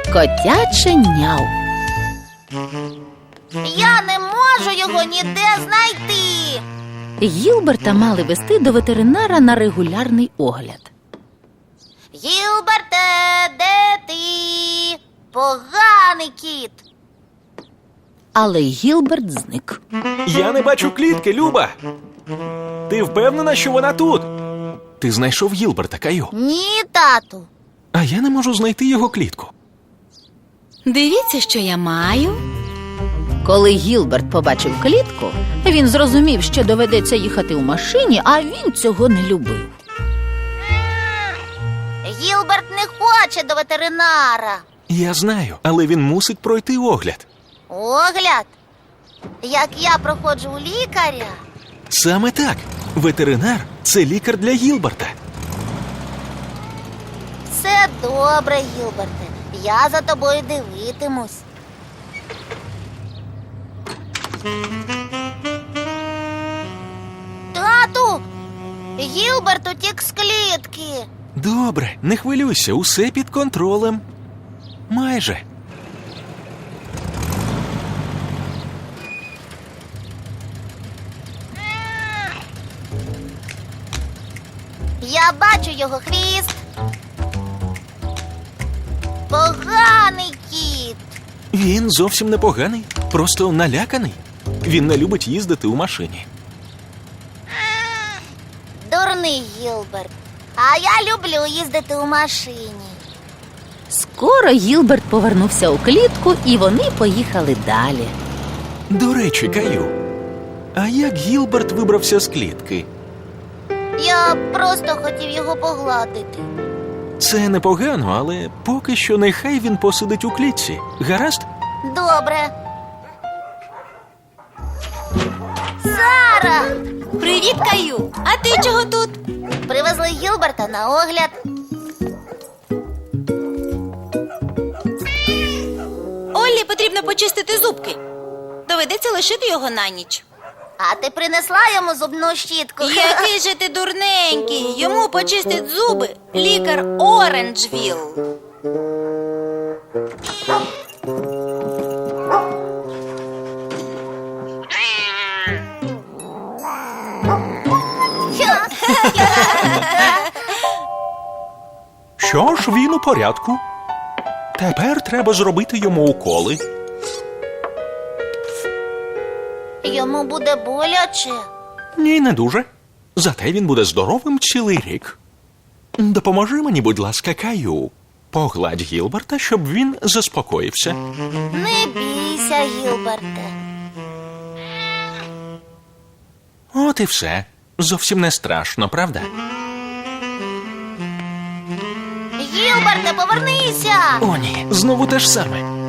Котяче няу. Я не можу його ніде знайти. Гілберта мали вести до ветеринара на регулярний огляд. Гілберте, де ти? Поганий кіт. Але Гілберт зник. Я не бачу клітки, Люба. Ти впевнена, що вона тут? Ти знайшов Гілберта, Каю. Ні, тату. А я не можу знайти його клітку. Дивіться, що я маю. Коли Гілберт побачив клітку, він зрозумів, що доведеться їхати у машині, а він цього не любив. Гілберт не хоче до ветеринара. Я знаю, але він мусить пройти огляд. Огляд? Як я проходжу у лікаря? Саме так. Ветеринар – це лікар для Гілберта. Все добре, Гілберте. Я за тобою дивитимусь. Тату! Гілберт утік з клітки. Добре, не хвилюйся, усе під контролем. Майже. Я бачу його хвіст. Поганий кіт. Він зовсім непоганий, просто наляканий. Він не любить їздити у машині. Дурний Гілберт. А я люблю їздити у машині. Скоро Гілберт повернувся у клітку, і вони поїхали далі. До речі, Каю, а як Гілберт вибрався з клітки? Я просто хотів його погладити. Це непогано, але поки що нехай він посидить у клітці. Гаразд? Добре. Сара! Привіт, Каю! А ти чого тут? Привезли Гілберта на огляд. Оллі потрібно почистити зубки. Доведеться лишити його на ніч. А ти принесла йому зубну щітку? Який же ти дурненький! Йому почистить зуби лікар Оранжвілл. Що ж, він у порядку. Тепер треба зробити йому уколи. Йому буде боляче. Ні, не дуже. Зате він буде здоровим цілий рік. Допоможи мені, будь ласка, Каю. Погладь Гілберта, щоб він заспокоївся. Не бійся, Гілберте. От і все. Зовсім не страшно, правда? Гілберте, повернися! О, ні, знову те ж саме.